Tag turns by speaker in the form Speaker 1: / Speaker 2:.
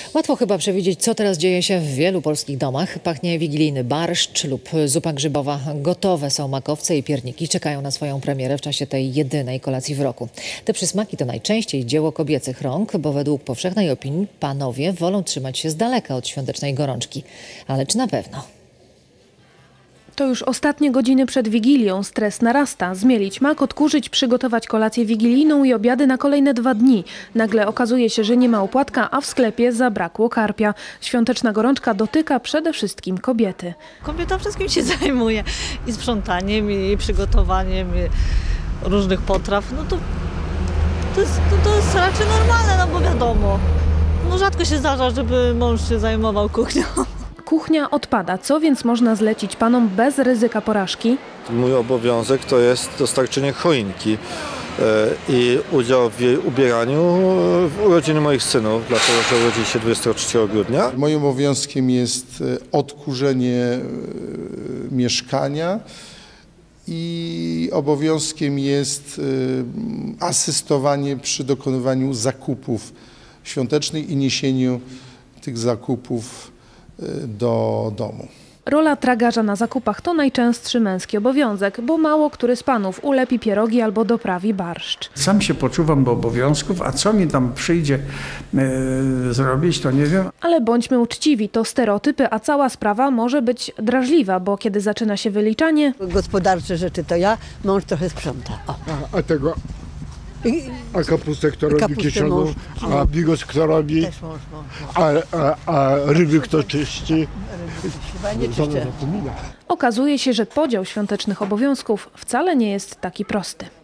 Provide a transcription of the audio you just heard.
Speaker 1: Łatwo chyba przewidzieć, co teraz dzieje się w wielu polskich domach. Pachnie wigilijny barszcz lub zupa grzybowa. Gotowe są makowce i pierniki. Czekają na swoją premierę w czasie tej jedynej kolacji w roku. Te przysmaki to najczęściej dzieło kobiecych rąk, bo według powszechnej opinii panowie wolą trzymać się z daleka od świątecznej gorączki. Ale czy na pewno?
Speaker 2: To już ostatnie godziny przed Wigilią. Stres narasta. Zmielić mak, odkurzyć, przygotować kolację wigilijną i obiady na kolejne 2 dni. Nagle okazuje się, że nie ma opłatka, a w sklepie zabrakło karpia. Świąteczna gorączka dotyka przede wszystkim kobiety.
Speaker 3: Kobieta wszystkim się zajmuje. I sprzątaniem, i przygotowaniem różnych potraw. No to jest raczej normalne, no bo wiadomo. No rzadko się zdarza, żeby mąż się zajmował kuchnią.
Speaker 2: Kuchnia odpada. Co więc można zlecić panom bez ryzyka porażki?
Speaker 4: Mój obowiązek to jest dostarczenie choinki i udział w jej ubieraniu w urodziny moich synów, dlatego że urodzili się 23 grudnia.
Speaker 5: Moim obowiązkiem jest odkurzenie mieszkania i obowiązkiem jest asystowanie przy dokonywaniu zakupów świątecznych i niesieniu tych zakupów do domu.
Speaker 2: Rola tragarza na zakupach to najczęstszy męski obowiązek, bo mało który z panów ulepi pierogi albo doprawi barszcz.
Speaker 6: Sam się poczuwam do obowiązków, a co mi tam przyjdzie zrobić, to nie wiem.
Speaker 2: Ale bądźmy uczciwi, to stereotypy, a cała sprawa może być drażliwa, bo kiedy zaczyna się wyliczanie...
Speaker 7: Gospodarcze rzeczy to ja, mąż trochę sprząta.
Speaker 8: A tego... A kapustę kto robi kieszoną, a bigos kto robi,
Speaker 7: Też mąż.
Speaker 8: a ryby kto czyści.
Speaker 7: Chyba nie czyszczę.
Speaker 2: Okazuje się, że podział świątecznych obowiązków wcale nie jest taki prosty.